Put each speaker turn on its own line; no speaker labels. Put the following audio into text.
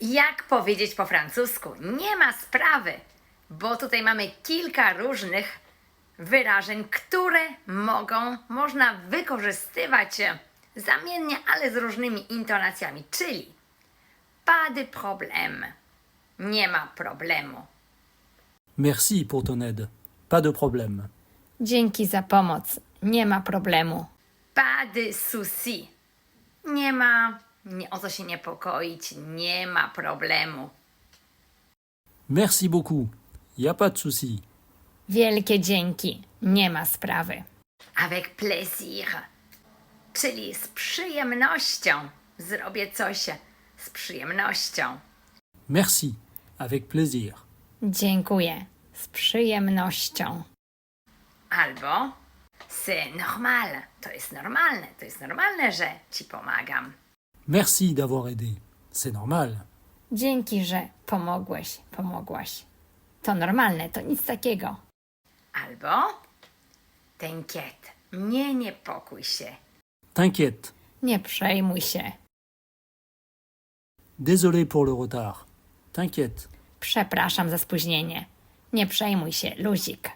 Jak powiedzieć po francusku? Nie ma sprawy, bo tutaj mamy kilka różnych wyrażeń, które można wykorzystywać zamiennie, ale z różnymi intonacjami, czyli pas de problème, nie ma problemu.
Merci pour ton aide. Pas de problème.
Dzięki za pomoc. Nie ma problemu.
Pas de souci, nie o co się niepokoić, nie ma problemu.
Merci beaucoup. Y a pas de souci.
Wielkie dzięki. Nie ma sprawy.
Avec plaisir, czyli z przyjemnością. Zrobię coś z przyjemnością.
Merci. Avec plaisir.
Dziękuję. Z przyjemnością.
Albo c'est normal, to jest normalne, że ci pomagam.
Merci d'avoir aidé. C'est normal.
Dzięki, że pomogłaś. To normalne, to nic takiego.
Albo t'inquiète, nie niepokój się.
T'inquiète.
Nie przejmuj się.
Désolé pour le retard. T'inquiète.
Przepraszam za spóźnienie. Nie przejmuj się, luzik.